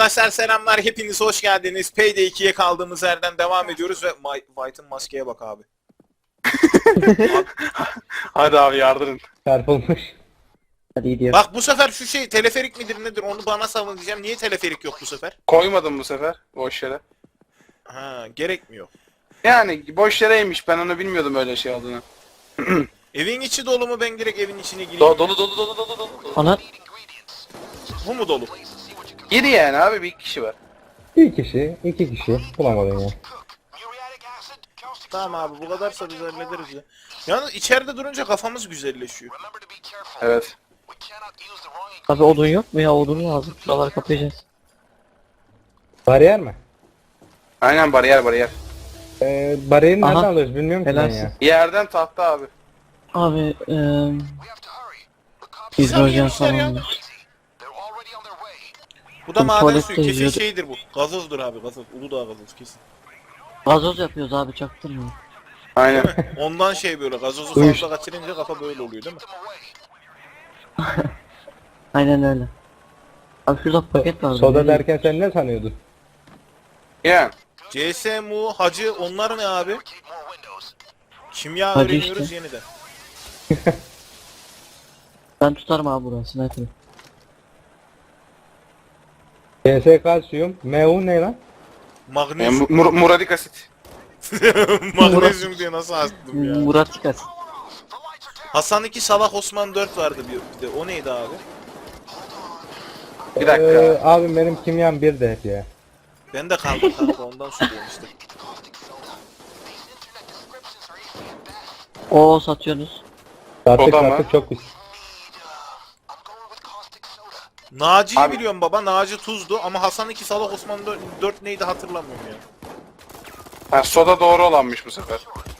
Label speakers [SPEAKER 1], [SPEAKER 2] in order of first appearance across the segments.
[SPEAKER 1] Arkadaşlar selamlar, hepiniz hoş geldiniz. Payday 2'ye kaldığımız yerden devam ediyoruz ve White'ın maskeye bak abi.
[SPEAKER 2] Hadi abi yardırın.
[SPEAKER 3] Çarpılmış. Hadi gidiyoruz.
[SPEAKER 1] Bak bu sefer şu şey teleferik midir nedir onu bana savun diyeceğim. Niye teleferik yok bu sefer?
[SPEAKER 2] Koymadım bu sefer boş yere.
[SPEAKER 1] Ha, gerekmiyor.
[SPEAKER 2] Yani boş yereymiş, ben onu bilmiyordum öyle şey olduğunu.
[SPEAKER 1] Evin içi dolu mu, ben direkt evin içine gireyim?
[SPEAKER 2] Dolu.
[SPEAKER 3] Ana
[SPEAKER 1] Bu mu dolu?
[SPEAKER 2] Giri yani abi, bir kişi var.
[SPEAKER 3] bir kişi, iki kişi bulamadın ya.
[SPEAKER 1] Tamam abi, bu kadarsa biz hallederiz ya. Yalnız içeride durunca kafamız güzelleşiyor.
[SPEAKER 2] Evet.
[SPEAKER 4] Abi odun yok mu ya? Odun lazım. Şuraları kapayacağız.
[SPEAKER 3] Bariyer mi?
[SPEAKER 2] Aynen, bariyer.
[SPEAKER 3] Bariyeri nereden
[SPEAKER 4] Aha.
[SPEAKER 3] alıyoruz bilmiyorum ki ben
[SPEAKER 4] Helalsin.
[SPEAKER 3] ya.
[SPEAKER 2] Yerden tahta abi.
[SPEAKER 4] Abi
[SPEAKER 1] Güzel
[SPEAKER 4] hidrojen
[SPEAKER 1] yemişler ya.
[SPEAKER 4] falan.
[SPEAKER 1] Bu da
[SPEAKER 4] Bu
[SPEAKER 1] maden
[SPEAKER 4] tuvalette
[SPEAKER 1] suyu, kesin
[SPEAKER 4] yüzüyordu.
[SPEAKER 1] şeydir bu. Gazozdur abi, gazoz. Uludağ gazoz kesin.
[SPEAKER 4] Gazoz yapıyoruz abi, çaktırmıyor.
[SPEAKER 2] Aynen.
[SPEAKER 1] Ondan şey böyle, gazozu
[SPEAKER 3] Uyuş.
[SPEAKER 1] fazla kaçırınca kafa böyle oluyor değil mi?
[SPEAKER 4] Aynen öyle. Abi şurada paket var.
[SPEAKER 3] Soda derken sen ne sanıyordun?
[SPEAKER 2] Yani.
[SPEAKER 1] CSMU, Hacı, onlar ne abi? Kimya
[SPEAKER 4] Hacı
[SPEAKER 1] öğreniyoruz
[SPEAKER 4] işte.
[SPEAKER 1] yeniden.
[SPEAKER 4] Ben tutarım abi burası. Sniper.
[SPEAKER 3] CS kalsiyum. MU ne lan?
[SPEAKER 1] Magnezyum.
[SPEAKER 2] Muradik asit.
[SPEAKER 1] Magnezyum diye nasıl astım ya.
[SPEAKER 4] Murat Tikas.
[SPEAKER 1] Hasan 2, Salak Osman 4 vardı bir de. O neydi abi?
[SPEAKER 2] Bir dakika.
[SPEAKER 3] Abi benim kimyam bir de hep ya.
[SPEAKER 1] Ben de kaldım kanka, ondan soruyorum işte.
[SPEAKER 4] O satıyorsunuz.
[SPEAKER 3] Sattık
[SPEAKER 2] Soda mı?
[SPEAKER 3] sattık çok pis.
[SPEAKER 1] Naci'yi
[SPEAKER 2] Abi-
[SPEAKER 1] biliyorum baba. Naci tuzdu ama Hasan 2, Salak Osman 4 neydi hatırlamıyorum ya.
[SPEAKER 2] Ha, soda doğru olanmış bu sefer.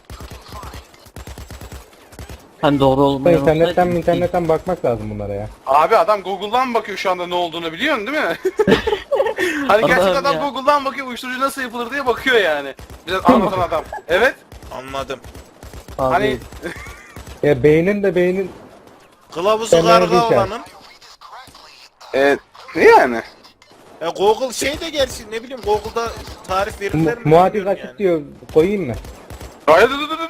[SPEAKER 4] Hani doğru olmayan
[SPEAKER 3] İnternetten
[SPEAKER 4] olsaydı-
[SPEAKER 3] internetten bakmak lazım bunlara ya.
[SPEAKER 2] Abi adam Google'dan bakıyor şu anda ne olduğunu, biliyorsun değil mi? Hani gerçekten
[SPEAKER 4] Allah'ım
[SPEAKER 2] adam
[SPEAKER 4] ya.
[SPEAKER 2] Google'dan bakıyor, uyuşturucu nasıl yapılır diye bakıyor yani. Biraz anlatan adam. Evet.
[SPEAKER 1] Anladım.
[SPEAKER 4] Abi,
[SPEAKER 2] Hani
[SPEAKER 3] Ya beynin
[SPEAKER 1] Kılavuzu
[SPEAKER 3] Temel
[SPEAKER 1] karga
[SPEAKER 3] bir şey.
[SPEAKER 1] olanın.
[SPEAKER 2] yani.
[SPEAKER 1] Google şey de gerçi, ne bileyim, Google'da tarif verirler mi?
[SPEAKER 3] muadil
[SPEAKER 1] bilmiyorum
[SPEAKER 3] asit
[SPEAKER 1] yani.
[SPEAKER 3] diyor. Koyayım mı?
[SPEAKER 2] Hayır,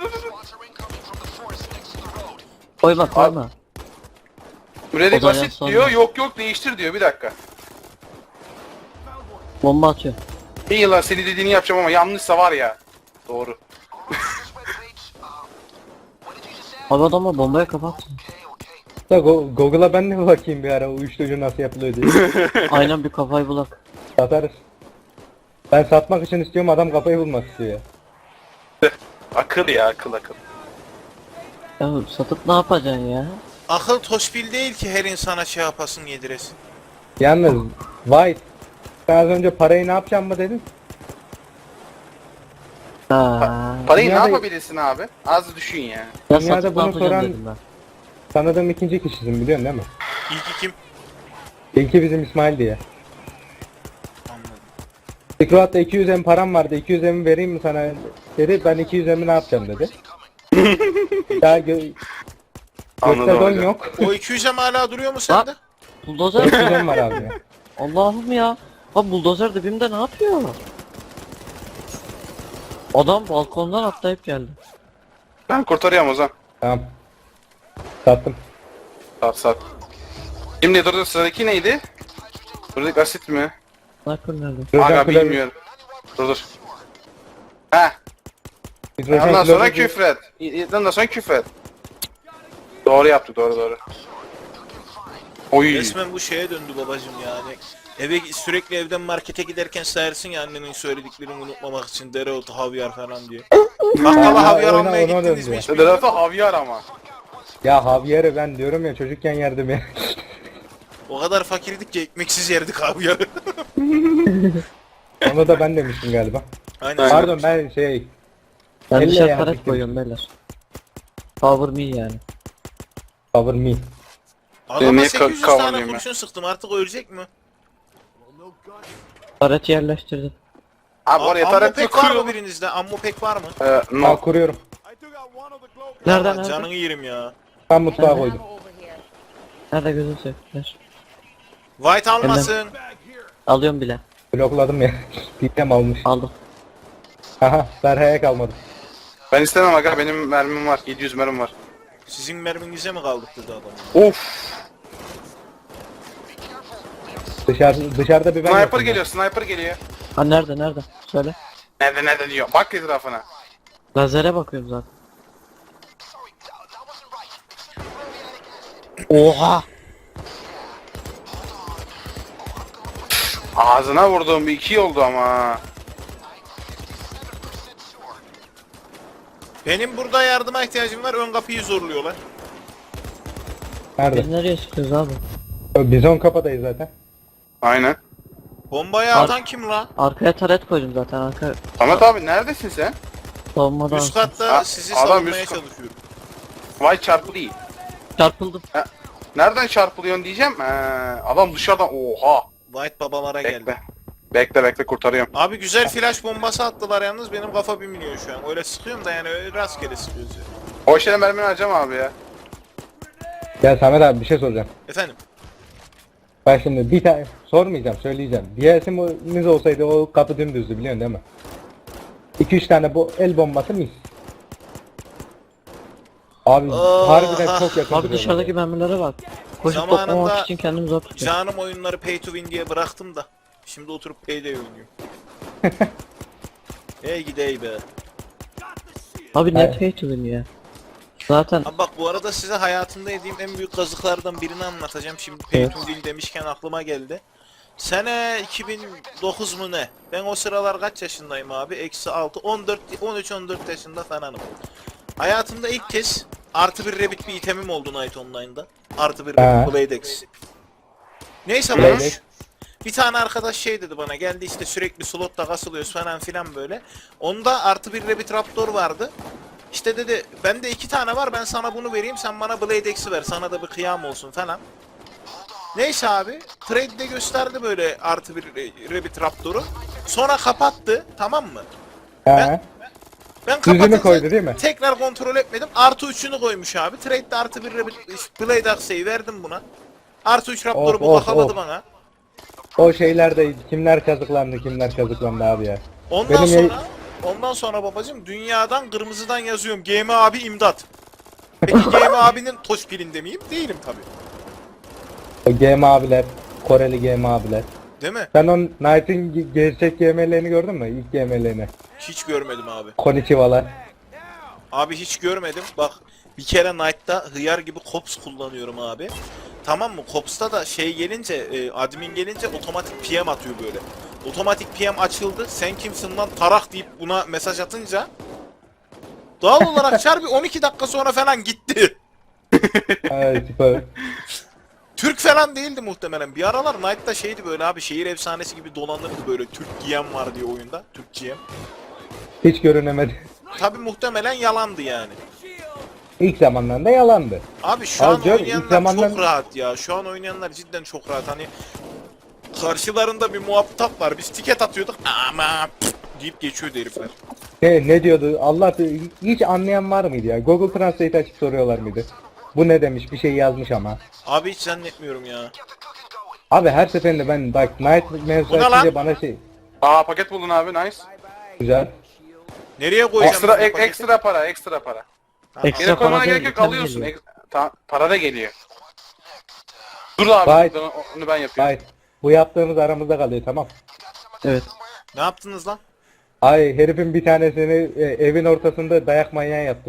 [SPEAKER 4] koyma.
[SPEAKER 2] Muradik
[SPEAKER 4] O zaman
[SPEAKER 2] asit
[SPEAKER 4] sonra-
[SPEAKER 2] diyor, yok değiştir diyor, bir dakika.
[SPEAKER 4] Bomba atıyor.
[SPEAKER 2] İyi yıllar seni dediğini yapacağım ama yanlışsa var ya. Doğru.
[SPEAKER 4] Abi adamla bombaya kapattı.
[SPEAKER 3] Da Google'a ben de bakayım bir ara uyuşturucu nasıl yapılıyor diye.
[SPEAKER 4] Aynen, bir kafayı bulak.
[SPEAKER 3] Satarız. Ben satmak için istiyorum, adam kafayı bulmak istiyor ya.
[SPEAKER 2] Akıl ya, akıl.
[SPEAKER 4] Ya satıp ne yapacaksın ya?
[SPEAKER 1] Akıl toşbil değil ki her insana şey yapasın, yediresin.
[SPEAKER 3] Yalnız White, sen az önce parayı ne yapacağım mı dedin?
[SPEAKER 4] Ha.
[SPEAKER 2] Parayı ne
[SPEAKER 3] Dünyada-
[SPEAKER 2] yapabilirsin abi? Az düşün ya.
[SPEAKER 4] Ya
[SPEAKER 3] Dünyada
[SPEAKER 4] satıp ne
[SPEAKER 3] bunu
[SPEAKER 4] yapacağım
[SPEAKER 3] soran-
[SPEAKER 4] dedim ben.
[SPEAKER 3] Tanıdığım ikinci kişisin biliyorsun değil mi?
[SPEAKER 1] İlki kim?
[SPEAKER 3] İlki bizim İsmail diye.
[SPEAKER 1] Anladım.
[SPEAKER 3] Silkroad'da 200 M param vardı, 200 M'i vereyim mi sana dedi, ben 200 M'i ne yapacağım dedi. Daha
[SPEAKER 2] Anladım
[SPEAKER 3] gökte don
[SPEAKER 2] hocam.
[SPEAKER 3] yok.
[SPEAKER 1] O 200'em hala duruyor mu sende?
[SPEAKER 4] Buldozer
[SPEAKER 3] 400 M var abi ya.
[SPEAKER 4] Allah'ım ya. Abi buldozer dibimde ne yapıyor? Adam balkondan atlayıp geldi.
[SPEAKER 2] Ben kurtarıyorum o zaman.
[SPEAKER 3] Tamam. Sattım.
[SPEAKER 2] Sat. Şimdi dur, sıradaki neydi? Muradik asit mi?
[SPEAKER 4] Sniper nerede?
[SPEAKER 3] Hidrojen
[SPEAKER 2] Aga
[SPEAKER 3] klorür-
[SPEAKER 2] bilmiyorum. Dur. Heh.
[SPEAKER 3] hidrojen
[SPEAKER 2] Ondan sonra
[SPEAKER 3] klorür-
[SPEAKER 2] küfret. Ondan sonra küfret. Doğru yaptık, doğru. Oy.
[SPEAKER 1] Resmen bu şeye döndü babacım yani. Sürekli evden markete giderken sayarsın ya annenin söylediklerini unutmamak için, dereotu, havyar falan diye. Bakkala havyar
[SPEAKER 3] ona-
[SPEAKER 1] almaya
[SPEAKER 3] ona
[SPEAKER 1] gittiniz mi
[SPEAKER 3] döndü.
[SPEAKER 1] hiç bilmiyorum.
[SPEAKER 2] Derata havyar ama.
[SPEAKER 3] Ya Javier'i ben diyorum ya, çocukken yerdim ya.
[SPEAKER 1] O kadar fakirdik ki ekmeksiz yerdik havyarı.
[SPEAKER 3] Onu da ben demiştim galiba.
[SPEAKER 1] Aynen.
[SPEAKER 3] Pardon ben şey...
[SPEAKER 4] Ben
[SPEAKER 3] Elle
[SPEAKER 4] dışarı
[SPEAKER 3] yani
[SPEAKER 4] paret
[SPEAKER 3] bitirdim.
[SPEAKER 4] koyuyorum beyler. Power me yani.
[SPEAKER 3] Cover me.
[SPEAKER 1] Adama
[SPEAKER 2] Niye
[SPEAKER 1] 800 tane
[SPEAKER 2] kavrayayım ben?
[SPEAKER 1] kurşun sıktım, artık ölecek mi?
[SPEAKER 4] Pareti yerleştirdim.
[SPEAKER 2] Abi oraya
[SPEAKER 1] Ammo
[SPEAKER 2] taret
[SPEAKER 1] pek var mı
[SPEAKER 2] kuruyor.
[SPEAKER 1] birinizde? Ammo pek var mı?
[SPEAKER 3] Ben
[SPEAKER 2] No.
[SPEAKER 3] kuruyorum.
[SPEAKER 4] Nereden
[SPEAKER 1] Aa,
[SPEAKER 4] nerede?
[SPEAKER 1] canını yerim ya.
[SPEAKER 3] Ben mutfağa koydum.
[SPEAKER 4] Nerede gözün sevdiler?
[SPEAKER 1] White almasın.
[SPEAKER 4] Alıyorum bile.
[SPEAKER 3] Blokladım ya. Ditem almış.
[SPEAKER 4] Aldım.
[SPEAKER 3] Aha Berha'ya kalmadı.
[SPEAKER 2] Ben istemem aga, benim mermim var. 700 mermim var.
[SPEAKER 1] Sizin merminize mi kaldık dedi adam.
[SPEAKER 2] Of.
[SPEAKER 3] Dışarıda bir ben
[SPEAKER 2] Sniper
[SPEAKER 3] yokum ya.
[SPEAKER 2] geliyor, sniper geliyor.
[SPEAKER 4] Ha nerede? Söyle.
[SPEAKER 2] Nerede diyor. Bak etrafına.
[SPEAKER 4] Lazere bakıyorum zaten. Oha!
[SPEAKER 2] Ağzına vurduğum bir 2 oldu ama.
[SPEAKER 1] Benim burada yardıma ihtiyacım var. Ön kapıyı zorluyorlar.
[SPEAKER 3] Nerede?
[SPEAKER 4] Biz nereye çıkıyoruz abi?
[SPEAKER 3] Biz on kapıdayız zaten.
[SPEAKER 2] Aynen.
[SPEAKER 1] Bombayı atan kim la?
[SPEAKER 4] Arkaya taret koydum zaten. Arka
[SPEAKER 2] Ahmet abi neredesin sen?
[SPEAKER 4] savunmadan.
[SPEAKER 1] Üst katta
[SPEAKER 2] A-
[SPEAKER 1] sizi
[SPEAKER 2] adam
[SPEAKER 1] savunmaya
[SPEAKER 2] üst kat-
[SPEAKER 1] çalışıyorum.
[SPEAKER 2] Vay çarpı değil.
[SPEAKER 4] Çarpıldım.
[SPEAKER 2] Nereden çarpılıyorsun diyeceğim. Adam dışarıdan oha.
[SPEAKER 1] White babalara geldi.
[SPEAKER 2] Bekle kurtarıyorum.
[SPEAKER 1] Abi güzel flash bombası attılar yalnız benim kafa 1 milyon şu an. Öyle sıkıyorum da yani öyle rastgele sıkıyoruz ya.
[SPEAKER 2] O şeyden mermini harcama abi ya.
[SPEAKER 3] Ya Samet abi bir şey soracağım.
[SPEAKER 1] Efendim?
[SPEAKER 3] Bak şimdi bir tane sormayacağım söyleyeceğim. DLC'miz olsaydı o kapı dümdüzdü biliyorsun değil mi? 2-3 tane bu el bombası mis. Abi harbiden çok yakın.
[SPEAKER 4] Abi
[SPEAKER 3] duruyorlar
[SPEAKER 4] dışarıdaki
[SPEAKER 3] ya.
[SPEAKER 4] mermilere bak. Koşup
[SPEAKER 1] Zamanında-
[SPEAKER 4] toplamak için kendimi zor tutuyorum.
[SPEAKER 1] Canım oyunları pay to win diye bıraktım da. Şimdi oturup payday oynuyorum. Hey gidey be.
[SPEAKER 4] Abi
[SPEAKER 3] Evet.
[SPEAKER 4] net pay to win ya. Zaten
[SPEAKER 1] Abi bak bu arada size hayatımda yediğim en büyük kazıklardan birini anlatacağım. Şimdi pay to win demişken aklıma geldi. Sene 2009 mu ne? Ben o sıralar kaç yaşındayım abi? Eksi 6, 14, 13-14 yaşında falanım. Hayatımda ilk kez artı bir rabbit bir itemim oldu Night Online'da. Artı bir rabbit Bladex. Neyse
[SPEAKER 3] Bladex.
[SPEAKER 1] boş. Bir tane arkadaş şey dedi bana, geldi işte sürekli slotta kasılıyoruz falan filan böyle. Onda artı bir rabbit raptor vardı. İşte dedi bende 2 tane var, ben sana bunu vereyim, sen bana Bladex'i ver, sana da bir kıyam olsun falan. Neyse abi trade'de gösterdi böyle artı bir rabbit raptoru. Sonra kapattı, tamam mı?
[SPEAKER 3] He.
[SPEAKER 1] Ben
[SPEAKER 3] Düzünü
[SPEAKER 1] kapatınca
[SPEAKER 3] koydu değil mi?
[SPEAKER 1] tekrar kontrol etmedim. Artı 3'ünü koymuş abi. Trade'de artı bir rabbit Blade Axe'yi verdim buna. Artı 3 raptoru bu bakamadı bana.
[SPEAKER 3] O şeylerde kimler kazıklandı abi ya.
[SPEAKER 1] Ondan
[SPEAKER 3] Benim
[SPEAKER 1] ondan sonra babacım dünyadan kırmızıdan yazıyorum. GM abi imdat. Peki GM abinin toş pilinde miyim? Değilim tabi.
[SPEAKER 3] O GM abiler, Koreli GM abiler.
[SPEAKER 1] Değil mi?
[SPEAKER 3] Sen o Knight'in gerçek GM'lerini gördün mü? İlk GM'lerini.
[SPEAKER 1] Hiç görmedim abi.
[SPEAKER 3] Konnichiwa'lar.
[SPEAKER 1] Abi hiç görmedim. Bak bir kere Knight'ta hıyar gibi Cops kullanıyorum abi. Tamam mı? Cops'ta da şey gelince, admin gelince otomatik PM atıyor böyle. Otomatik PM açıldı. Sen kimsin lan tarak deyip buna mesaj atınca doğal olarak çar bir 12 dakika sonra falan gitti.
[SPEAKER 3] Evet, süper.
[SPEAKER 1] Türk falan değildi muhtemelen. Bir aralar Knight'ta şeydi böyle abi, şehir efsanesi gibi dolanırdı böyle, Türk GM var diye oyunda. Türk GM.
[SPEAKER 3] Hiç görünemedi.
[SPEAKER 1] Tabi muhtemelen yalandı yani.
[SPEAKER 3] İlk zamanlarında yalandı.
[SPEAKER 1] Abi şu
[SPEAKER 3] Abi
[SPEAKER 1] an
[SPEAKER 3] diyorum, ilk
[SPEAKER 1] oynayanlar
[SPEAKER 3] zamanlar-
[SPEAKER 1] çok rahat ya. Şu an oynayanlar cidden çok rahat. Hani karşılarında bir muhatap var. Biz tiket atıyorduk ama deyip geçiyordu herifler.
[SPEAKER 3] Ne diyordu? Allah bilir, hiç anlayan var mıydı ya? Google Translate açıp soruyorlar mıydı? Bu ne demiş? Bir şey yazmış ama.
[SPEAKER 1] Abi hiç zannetmiyorum ya.
[SPEAKER 3] Abi her seferinde ben bak Night mevzusu
[SPEAKER 1] Bu ne lan?
[SPEAKER 3] açınca bana şey
[SPEAKER 2] Paket buldun abi, nice.
[SPEAKER 3] güzel.
[SPEAKER 1] Nereye koyacağım?
[SPEAKER 2] Ekstra
[SPEAKER 1] ben bu paketi?
[SPEAKER 2] ekstra para, ekstra para.
[SPEAKER 4] ekstra
[SPEAKER 2] Yine koymana
[SPEAKER 4] para
[SPEAKER 2] gerek
[SPEAKER 4] değil,
[SPEAKER 2] yok,
[SPEAKER 4] item
[SPEAKER 2] alıyorsun.
[SPEAKER 4] geliyor.
[SPEAKER 2] Para da geliyor. Dur abi,
[SPEAKER 3] Vay.
[SPEAKER 2] onu ben yapıyorum.
[SPEAKER 3] Hayır. Bu yaptığımız aramızda kalıyor tamam.
[SPEAKER 4] Evet.
[SPEAKER 1] Ne yaptınız lan?
[SPEAKER 3] Ay herifin bir tanesini evin ortasında dayak manyağı yaptım.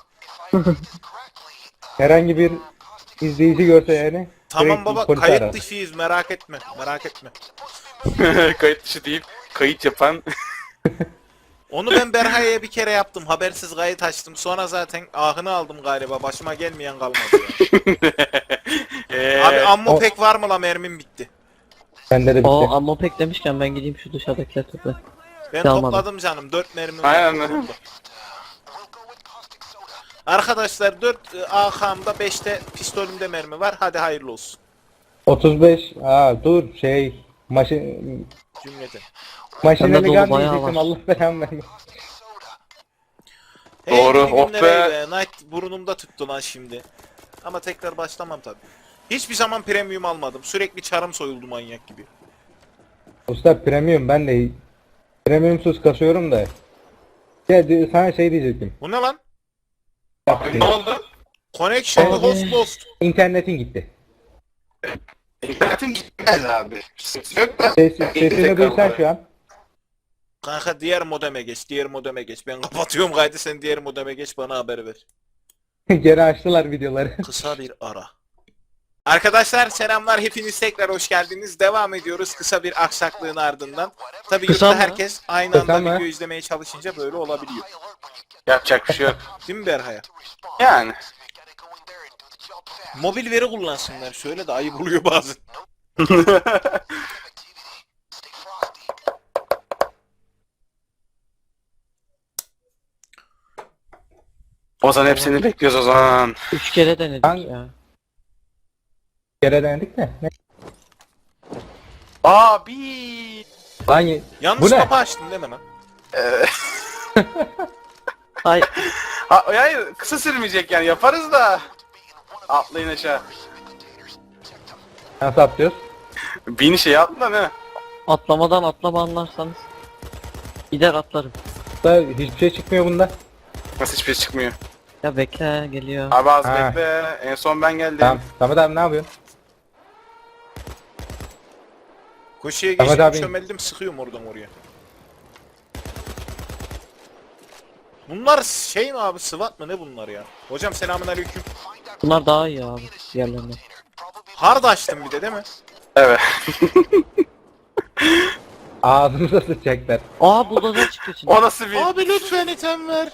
[SPEAKER 3] Herhangi bir izleyici görse yani.
[SPEAKER 1] Tamam
[SPEAKER 3] direkt
[SPEAKER 1] baba,
[SPEAKER 3] polisi
[SPEAKER 1] kayıt
[SPEAKER 3] arar.
[SPEAKER 1] dışıyız, merak etme. Merak etme.
[SPEAKER 2] Kayıt dışı deyip kayıt yapan.
[SPEAKER 1] Onu ben Berha'ya bir kere yaptım. Habersiz kayıt açtım. Sonra zaten ahını aldım galiba. Başıma gelmeyen kalmadı ya. Abi ammo
[SPEAKER 3] o-
[SPEAKER 1] pek var mı la, mermim bitti.
[SPEAKER 3] Bende de bitti.
[SPEAKER 4] O ammo pack demişken ben gideyim şu dışarıdakileri topla.
[SPEAKER 1] Ben
[SPEAKER 4] Almadım.
[SPEAKER 1] topladım canım. 4 mermim var.
[SPEAKER 2] Aynen.
[SPEAKER 1] Arkadaşlar 4 AK'mda 5'te pistolümde mermi var. Hadi hayırlı olsun.
[SPEAKER 3] 35. Dur maşineli
[SPEAKER 1] Cümleten.
[SPEAKER 4] Bende dolu
[SPEAKER 3] gun
[SPEAKER 4] bayağı
[SPEAKER 3] diyecektim
[SPEAKER 4] var.
[SPEAKER 3] Allah belamı vermesin.
[SPEAKER 2] Doğru,
[SPEAKER 1] Hey,
[SPEAKER 2] oh
[SPEAKER 1] günler Night burnumda tuttu lan şimdi. Ama tekrar başlamam tabi. Hiçbir zaman premium almadım. Sürekli çarım soyuldu manyak gibi.
[SPEAKER 3] Usta premium ben de premiumsuz kasıyorum da. Ya sana şey diyecektim.
[SPEAKER 1] Bu ne lan?
[SPEAKER 2] Ne oldu?
[SPEAKER 1] Connection
[SPEAKER 4] Abi.
[SPEAKER 1] host lost.
[SPEAKER 3] İnternetin gitti.
[SPEAKER 2] İnternetin gitmez abi. Sıkıntı yok da.
[SPEAKER 3] Sesini duysan şu an.
[SPEAKER 1] Kanka diğer modeme geç, diğer modeme geç. Ben kapatıyorum kaydı, sen diğer modeme geç, bana haber ver.
[SPEAKER 3] Geri açtılar videoları.
[SPEAKER 1] Kısa bir ara. Arkadaşlar selamlar, hepiniz tekrar hoş geldiniz. Devam ediyoruz kısa bir aksaklığın ardından. Tabii
[SPEAKER 4] Kısa
[SPEAKER 1] yurtta
[SPEAKER 4] mı?
[SPEAKER 1] herkes aynı
[SPEAKER 3] Kısa
[SPEAKER 1] anda
[SPEAKER 3] mı?
[SPEAKER 1] video izlemeye çalışınca böyle olabiliyor.
[SPEAKER 2] Yapacak bir şey yok.
[SPEAKER 1] Değil mi Berhaya?
[SPEAKER 2] Yani.
[SPEAKER 1] Mobil veri kullansınlar, şöyle de ayıp oluyor bazen.
[SPEAKER 2] O zaman hepsini bekliyoruz o zaman.
[SPEAKER 4] 3 kere denedik
[SPEAKER 3] Ben-
[SPEAKER 4] ya.
[SPEAKER 3] Geri denedik de. Ne?
[SPEAKER 2] Abi.
[SPEAKER 3] Lan
[SPEAKER 1] Yanlış
[SPEAKER 3] Bu ne?
[SPEAKER 1] kapı açtın değil mi lan?
[SPEAKER 4] Ay
[SPEAKER 2] Hayır kısa sürmeyecek yani yaparız da. Atlayın aşağı.
[SPEAKER 3] nasıl yapacağız?
[SPEAKER 2] Bin şey atla ne?
[SPEAKER 4] atlamadan atlama anlarsanız. Gider atlarım.
[SPEAKER 3] Usta hiçbir şey çıkmıyor bunda.
[SPEAKER 2] Nasıl hiçbir şey çıkmıyor.
[SPEAKER 4] Ya bekle geliyor.
[SPEAKER 2] Abi az
[SPEAKER 3] Ha.
[SPEAKER 2] bekle. En son ben geldim.
[SPEAKER 3] Tamam. Samet abi ne yapıyorsun?
[SPEAKER 1] Koşuya
[SPEAKER 3] Ahmet
[SPEAKER 1] geçtim,
[SPEAKER 3] abi.
[SPEAKER 1] çömeldim, sıkıyorum oradan oraya. Bunlar şey mi abi, SWAT mı ne bunlar ya? Hocam selamünaleyküm.
[SPEAKER 4] Bunlar daha iyi abi diğerlerinden.
[SPEAKER 1] Hard açtım bir de değil mi?
[SPEAKER 2] Evet.
[SPEAKER 3] Ağzımıza sıçacaklar.
[SPEAKER 4] Aa buldozer çıkıyor şimdi.
[SPEAKER 2] O nasıl bir...
[SPEAKER 1] Abi lütfen item ver.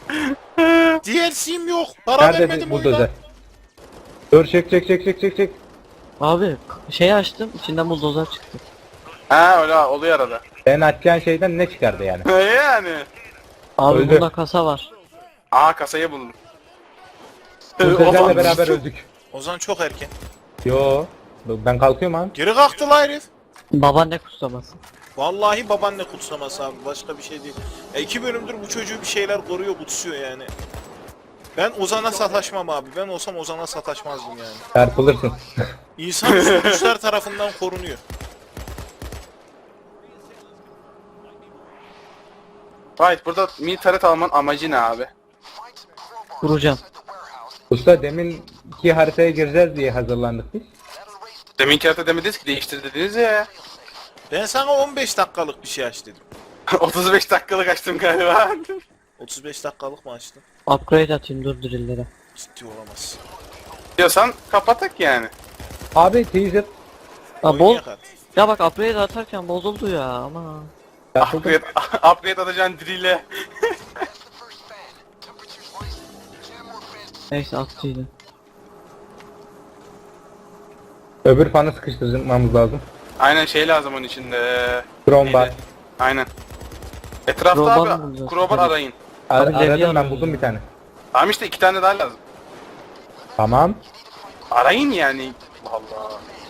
[SPEAKER 1] DLC'm yok. Para
[SPEAKER 3] Nerede
[SPEAKER 1] vermedim
[SPEAKER 3] buldozer?
[SPEAKER 1] oyuna.
[SPEAKER 3] Dur çek.
[SPEAKER 4] Abi şeyi açtım içinden buldozer çıktı.
[SPEAKER 2] Ha öyle oluyor arada.
[SPEAKER 3] Senin açacağın şeyden ne çıkardı yani?
[SPEAKER 2] Yani.
[SPEAKER 4] Abi
[SPEAKER 3] Öldü.
[SPEAKER 4] bunda kasa var.
[SPEAKER 2] Aa kasayı buldum.
[SPEAKER 3] Bulldozerle beraber öldük.
[SPEAKER 1] Ozan çok erken.
[SPEAKER 3] Yo. Ben kalkıyorum abi.
[SPEAKER 1] Geri kalktı la herif.
[SPEAKER 4] Babaanne kutsaması.
[SPEAKER 1] Vallahi babaanne kutsaması abi, başka bir şey değil. 2 bölümdür bu çocuğu bir şeyler koruyor, kutsuyor yani. Ben Ozan'a sataşmam abi. Ben olsam Ozan'a sataşmazdım yani.
[SPEAKER 3] Çarpılırsın.
[SPEAKER 1] İnsan üstü güçler tarafından korunuyor.
[SPEAKER 2] Right burada mini taret alman amacı ne abi?
[SPEAKER 4] Kuracağım.
[SPEAKER 3] Usta deminki haritaya gireceğiz diye hazırlandık biz.
[SPEAKER 2] Deminki harita demediniz ki değiştir dediniz ya.
[SPEAKER 1] Ben sana 15 dakikalık bir şey aç dedim.
[SPEAKER 2] 35 dakikalık açtım galiba.
[SPEAKER 1] 35 dakikalık mı açtın?
[SPEAKER 4] Upgrade atayım dur drillere.
[SPEAKER 1] Ciddi olamaz.
[SPEAKER 2] Diyorsan kapatak yani.
[SPEAKER 3] Abi teaser.
[SPEAKER 4] Aa bol.
[SPEAKER 1] Oynayak artık.
[SPEAKER 4] Ya bak upgrade atarken bozuldu ya ama.
[SPEAKER 3] Yapıldı.
[SPEAKER 2] Upgrade atacaksın drill'e.
[SPEAKER 4] Neyse attıydı.
[SPEAKER 3] Öbür fanı sıkıştırmamız lazım.
[SPEAKER 2] Aynen şey lazım onun içinde.
[SPEAKER 3] Chrome bar.
[SPEAKER 2] Neydi? Aynen. Etrafta
[SPEAKER 4] Crowbar mı
[SPEAKER 2] abi
[SPEAKER 4] bulacağız?
[SPEAKER 2] crowbar
[SPEAKER 4] Tabii.
[SPEAKER 2] arayın.
[SPEAKER 3] Ar-
[SPEAKER 4] Abi, levye
[SPEAKER 3] aradım ben
[SPEAKER 4] arıyoruz
[SPEAKER 3] buldum
[SPEAKER 4] ya.
[SPEAKER 3] bir tane.
[SPEAKER 2] Tamam işte 2 tane daha lazım.
[SPEAKER 3] Tamam.
[SPEAKER 2] Arayın yani. Allah Allah.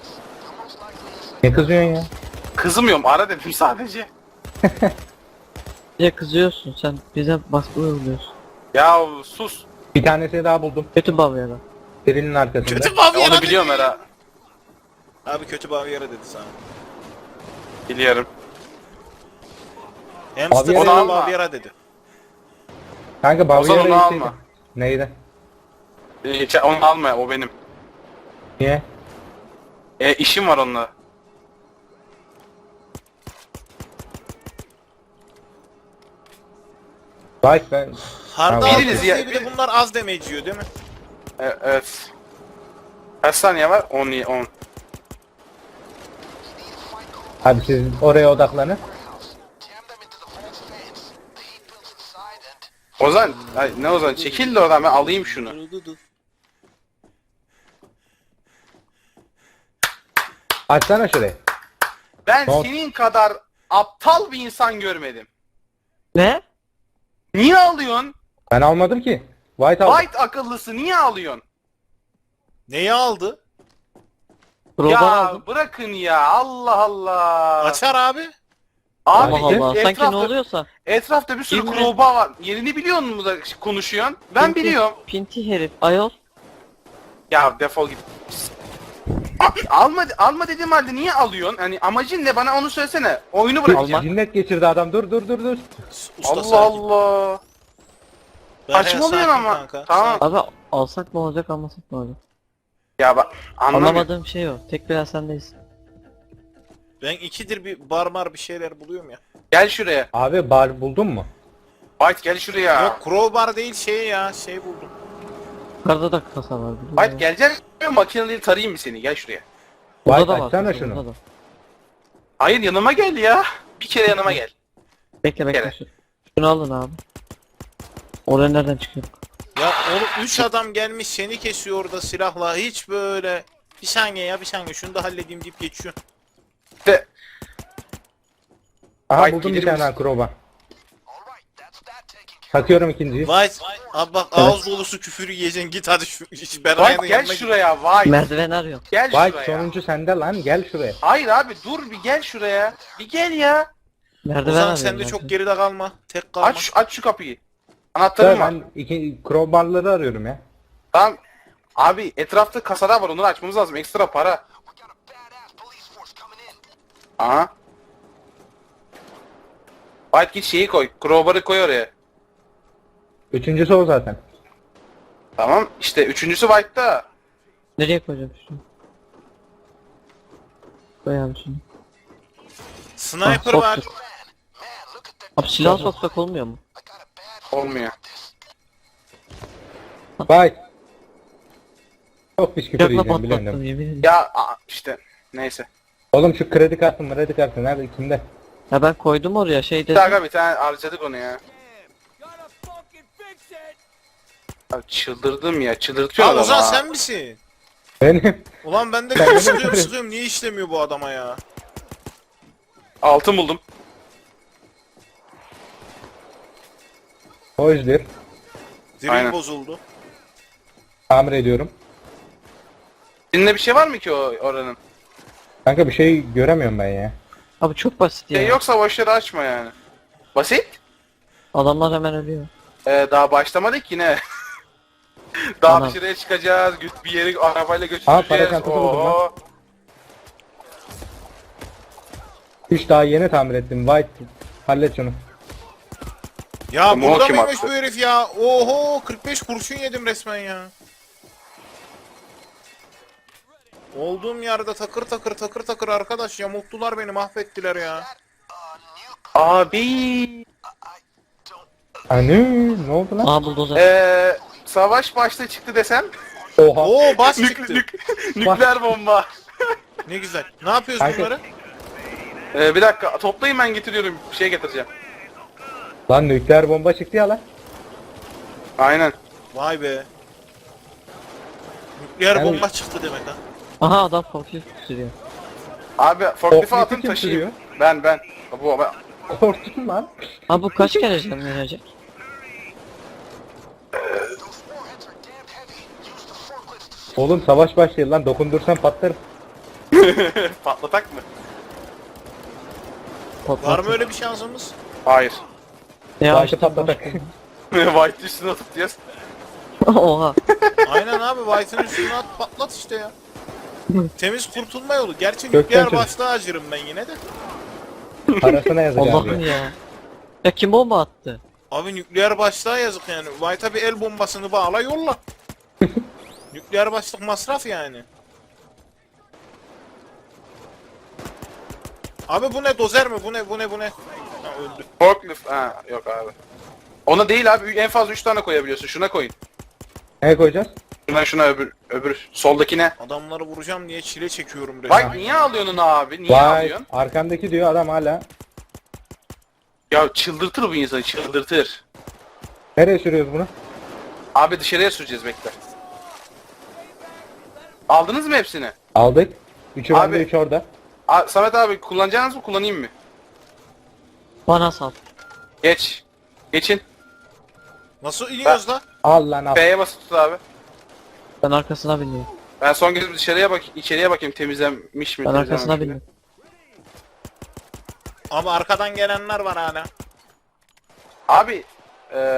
[SPEAKER 3] Ne kızıyorsun ya?
[SPEAKER 2] Kızmıyorum ara dedim sadece.
[SPEAKER 4] Bize kızıyorsun sen bize baskı uyguluyorsun.
[SPEAKER 2] Ya sus.
[SPEAKER 3] Bir tanesini daha buldum.
[SPEAKER 4] Kötü bavyera.
[SPEAKER 3] Birinin arkasında.
[SPEAKER 1] Kötü Bavyera
[SPEAKER 2] Onu biliyorum
[SPEAKER 1] dedi.
[SPEAKER 2] Era.
[SPEAKER 1] Abi kötü Bavyera dedi sana.
[SPEAKER 2] Biliyorum.
[SPEAKER 1] Hamster
[SPEAKER 3] Bavyera
[SPEAKER 1] sana
[SPEAKER 2] alma.
[SPEAKER 1] Bavyera dedi.
[SPEAKER 3] Kanka
[SPEAKER 2] O zaman onu
[SPEAKER 3] Bavyera'yı
[SPEAKER 2] alma.
[SPEAKER 3] Neydi?
[SPEAKER 2] Onu alma o benim.
[SPEAKER 3] Niye?
[SPEAKER 2] İşim var onunla.
[SPEAKER 3] Bak ben...
[SPEAKER 1] Hard'a
[SPEAKER 3] Tamam.
[SPEAKER 2] Biriniz ya-
[SPEAKER 1] bir de bunlar az damage yiyor değil mi?
[SPEAKER 2] Evet. Kaç saniye var? 10.
[SPEAKER 3] Abi siz oraya odaklanın.
[SPEAKER 2] Ozan, ay, ne Ozan? Çekil de oradan ben alayım şunu.
[SPEAKER 3] Açsana şurayı.
[SPEAKER 2] Ben
[SPEAKER 3] Tamam.
[SPEAKER 2] senin kadar aptal bir insan görmedim.
[SPEAKER 4] Ne?
[SPEAKER 2] Niye alıyorsun?
[SPEAKER 3] Ben almadım ki. White aldım.
[SPEAKER 2] White akıllısı niye alıyorsun?
[SPEAKER 1] Neyi aldı?
[SPEAKER 4] Crowbar
[SPEAKER 2] Ya
[SPEAKER 4] aldım.
[SPEAKER 2] bırakın ya Allah Allah.
[SPEAKER 1] Açar abi.
[SPEAKER 2] Abi
[SPEAKER 4] Allah Allah. Sanki
[SPEAKER 2] etrafta,
[SPEAKER 4] ne oluyorsa.
[SPEAKER 2] etrafta bir sürü
[SPEAKER 4] Bilmiyorum.
[SPEAKER 2] crowbar var. Yerini biliyor musun da konuşuyorsun? Ben
[SPEAKER 4] Pinti-
[SPEAKER 2] biliyorum.
[SPEAKER 4] Pinti herif. Ayol.
[SPEAKER 2] Ya defol git. Alma dediğim halde niye alıyorsun? Hani amacın ne? Bana onu söylesene. Oyunu bırakacağım.
[SPEAKER 3] Cinnet geçirdi adam. Dur.
[SPEAKER 1] Usta
[SPEAKER 2] Allah
[SPEAKER 1] sakin.
[SPEAKER 2] Allah.
[SPEAKER 1] Berkay,
[SPEAKER 2] Saçmalıyorsun
[SPEAKER 1] sakin
[SPEAKER 2] ama.
[SPEAKER 1] kanka,
[SPEAKER 2] Tamam.
[SPEAKER 1] sakin.
[SPEAKER 4] Abi alsak mı olacak almasak mı olacak?
[SPEAKER 2] Ya bak anlamıyorum.
[SPEAKER 4] Anlamadığım şey o. Tek biraz sendeyiz.
[SPEAKER 1] Ben ikidir bir barmar bir şeyler buluyorum ya.
[SPEAKER 2] Gel şuraya.
[SPEAKER 3] Abi bar buldun mu?
[SPEAKER 2] White gel şuraya.
[SPEAKER 1] Yok crowbar değil şey ya şey buldum.
[SPEAKER 4] Yukarıda da kasa var. biliyorum
[SPEAKER 2] White
[SPEAKER 4] ya.
[SPEAKER 2] geleceksin makineliği tarayayım mı seni? Gel şuraya.
[SPEAKER 4] Burada
[SPEAKER 3] White
[SPEAKER 4] da var.
[SPEAKER 3] açsana
[SPEAKER 4] kasa,
[SPEAKER 3] şunu.
[SPEAKER 4] burada da.
[SPEAKER 2] Hayır yanıma gel ya. Bir kere yanıma gel.
[SPEAKER 4] Bekle
[SPEAKER 2] Gel.
[SPEAKER 4] Şunu alın abi. Oraya nereden çıkıyor?
[SPEAKER 1] Ya oğlum 3 adam gelmiş seni kesiyor orada silahla hiç böyle. Bir saniye ya bir saniye şunu da halledeyim deyip geçiyor.
[SPEAKER 2] İşte
[SPEAKER 3] Aha
[SPEAKER 2] White
[SPEAKER 3] buldum bir
[SPEAKER 2] gelir
[SPEAKER 3] tane
[SPEAKER 2] misin?
[SPEAKER 3] akroba. Takıyorum ikinciyi.
[SPEAKER 1] White abi bak ağız dolusu küfür yiyeceksin git hadi şu Beray'ın
[SPEAKER 2] White gel
[SPEAKER 1] yanına git.
[SPEAKER 2] şuraya White.
[SPEAKER 4] Merdiven arıyorum.
[SPEAKER 2] Gel
[SPEAKER 3] White
[SPEAKER 2] şuraya.
[SPEAKER 3] sonuncu sende lan gel şuraya.
[SPEAKER 2] Hayır abi dur bir gel şuraya. Bir gel ya.
[SPEAKER 4] Merdiven
[SPEAKER 1] Ozan
[SPEAKER 4] arıyorum.
[SPEAKER 1] sen de
[SPEAKER 4] ben.
[SPEAKER 1] çok geride kalma. Tek kalma.
[SPEAKER 2] Aç şu kapıyı. Anahtarım var.
[SPEAKER 3] Ben iki crowbarları arıyorum ya.
[SPEAKER 2] Tamam. Abi etrafta kasalar var onları açmamız lazım. Ekstra para. Aha. White git şeyi koy. Crowbar'ı koy oraya.
[SPEAKER 3] Üçüncüsü o zaten.
[SPEAKER 2] Tamam. İşte üçüncüsü White'da.
[SPEAKER 4] Nereye koyacağım şunu? Koy abi şunu.
[SPEAKER 1] Sniper
[SPEAKER 4] Ah,
[SPEAKER 1] var.
[SPEAKER 4] soktuk. Abi silah soksak olmuyor mu?
[SPEAKER 2] Olmuyor.
[SPEAKER 3] White. Çok pis küfür
[SPEAKER 4] Yakla
[SPEAKER 3] yiyeceğim biliyorsun değil
[SPEAKER 4] patlattım
[SPEAKER 3] mi?
[SPEAKER 4] yemin ederim.
[SPEAKER 2] Ya işte. Neyse.
[SPEAKER 3] Oğlum şu kredi kartı nerede kimde?
[SPEAKER 4] Ya ben koydum oraya şey
[SPEAKER 2] Bir
[SPEAKER 4] dedim.
[SPEAKER 2] dakika bir tane harcadık onu ya. Abi çıldırdım ya. Çıldırtıyor
[SPEAKER 1] Aa
[SPEAKER 2] adam
[SPEAKER 1] Ozan
[SPEAKER 2] ha.
[SPEAKER 1] sen misin?
[SPEAKER 3] Benim.
[SPEAKER 1] Ulan ben de
[SPEAKER 3] Sen
[SPEAKER 1] sıkıyorum
[SPEAKER 3] de-
[SPEAKER 1] sıkıyorum niye işlemiyor bu adama ya?
[SPEAKER 2] Altın buldum.
[SPEAKER 3] O yüzden
[SPEAKER 1] Drill
[SPEAKER 2] Aynen.
[SPEAKER 1] bozuldu.
[SPEAKER 3] tamir ediyorum.
[SPEAKER 2] Seninle bir şey var mı ki oranın?
[SPEAKER 3] Kanka bir şey göremiyorum ben ya.
[SPEAKER 4] Abi çok basit ya.
[SPEAKER 2] Yoksa boşları açma yani. Basit.
[SPEAKER 4] Adamlar hemen ölüyor.
[SPEAKER 2] Daha başlamadık yine. Daha
[SPEAKER 4] Tamam.
[SPEAKER 2] dışarıya çıkacağız. Bir yere arabayla
[SPEAKER 3] Aa,
[SPEAKER 2] götüreceğiz.
[SPEAKER 3] para çantası buldum lan.
[SPEAKER 2] Oo.
[SPEAKER 3] Hiç daha yeni tamir ettim. White hallet şunu.
[SPEAKER 1] Ya
[SPEAKER 2] Ama o
[SPEAKER 1] burada
[SPEAKER 2] kim
[SPEAKER 1] mıymış
[SPEAKER 2] attı?
[SPEAKER 1] bu herif ya? Oho 45 kurşun yedim resmen ya. Olduğum yerde takır takır arkadaş yamulttular beni mahvettiler ya.
[SPEAKER 2] Abi.
[SPEAKER 3] Anı ne oldu lan?
[SPEAKER 4] Aa buldozer.
[SPEAKER 2] Savaş başta çıktı desem.
[SPEAKER 3] Oha.
[SPEAKER 1] Oo bas çıktı.
[SPEAKER 2] Nükleer bomba.
[SPEAKER 1] Ne güzel. Ne yapıyoruz
[SPEAKER 3] Kanka-
[SPEAKER 1] bunları?
[SPEAKER 2] Bir dakika toplayın ben getiriyorum. Bir şey getireceğim.
[SPEAKER 3] Lan nükleer bomba çıktı ya lan.
[SPEAKER 2] Aynen.
[SPEAKER 1] Vay be. Nükleer
[SPEAKER 3] Yani-
[SPEAKER 1] bomba çıktı demek ha.
[SPEAKER 4] Aha adam forklift sürüyor.
[SPEAKER 2] Abi forklifte
[SPEAKER 3] Forklifti
[SPEAKER 2] atın
[SPEAKER 3] kim
[SPEAKER 2] taşıyayım. Ben. Ben.
[SPEAKER 3] Korktum lan.
[SPEAKER 4] Abi bu kaç kere can verecek?
[SPEAKER 3] Oğlum savaş başlıyor lan dokundursan patlarım.
[SPEAKER 2] Patlatak mı?
[SPEAKER 1] Var mı öyle bir şansımız?
[SPEAKER 2] Hayır.
[SPEAKER 4] Ya
[SPEAKER 3] White'ı
[SPEAKER 4] işte
[SPEAKER 3] patlatak.
[SPEAKER 2] White üstüne atıp diyoruz.
[SPEAKER 4] Oha.
[SPEAKER 1] Aynen abi White'ın üstüne at patlat işte ya. Temiz kurtulma yolu. Gerçi
[SPEAKER 3] Gökten
[SPEAKER 1] nükleer
[SPEAKER 3] çocuk.
[SPEAKER 1] başta acırım ben yine de.
[SPEAKER 3] Parasına yazacağım
[SPEAKER 4] Allah'ım
[SPEAKER 3] diyor.
[SPEAKER 4] ya. Ya kim bomba attı?
[SPEAKER 1] Abi nükleer başlığa yazık yani. White'a bir el bombasını bağla yolla. Nükleer başlık masraf yani. Abi bu ne dozer mi? Bu ne? Ha öldü.
[SPEAKER 2] Forklift. Ha yok abi. Ona değil abi en fazla 3 tane koyabiliyorsun. Şuna koyun.
[SPEAKER 3] Ne koyacağız?
[SPEAKER 2] Şuna öbür soldakine.
[SPEAKER 1] Adamları vuracağım diye çile çekiyorum resmen.
[SPEAKER 2] Bak niye alıyorsun onu abi? Niye
[SPEAKER 3] Vay
[SPEAKER 2] alıyorsun?
[SPEAKER 3] arkamdaki diyor adam hala.
[SPEAKER 2] Ya çıldırtır bu insanı çıldırtır.
[SPEAKER 3] Nereye sürüyoruz bunu?
[SPEAKER 2] Abi dışarıya süreceğiz bekle. Aldınız mı hepsini?
[SPEAKER 3] Aldık. Üçü
[SPEAKER 2] Abi.
[SPEAKER 3] bende üç orada.
[SPEAKER 2] Samet abi kullanacağınız mı kullanayım mı?
[SPEAKER 4] Bana sal.
[SPEAKER 2] Geç. Geçin.
[SPEAKER 1] Nasıl iniyoruz da?
[SPEAKER 3] Al lan al.
[SPEAKER 2] B'ye basıp tut abi.
[SPEAKER 4] Ben arkasına biniyorum.
[SPEAKER 2] Ben son kez içeriye bakayım temizlenmiş mi?
[SPEAKER 4] Ben arkasına
[SPEAKER 2] temizlenmemiş mi?
[SPEAKER 4] biniyorum.
[SPEAKER 1] Ama arkadan gelenler var hala.
[SPEAKER 2] Abi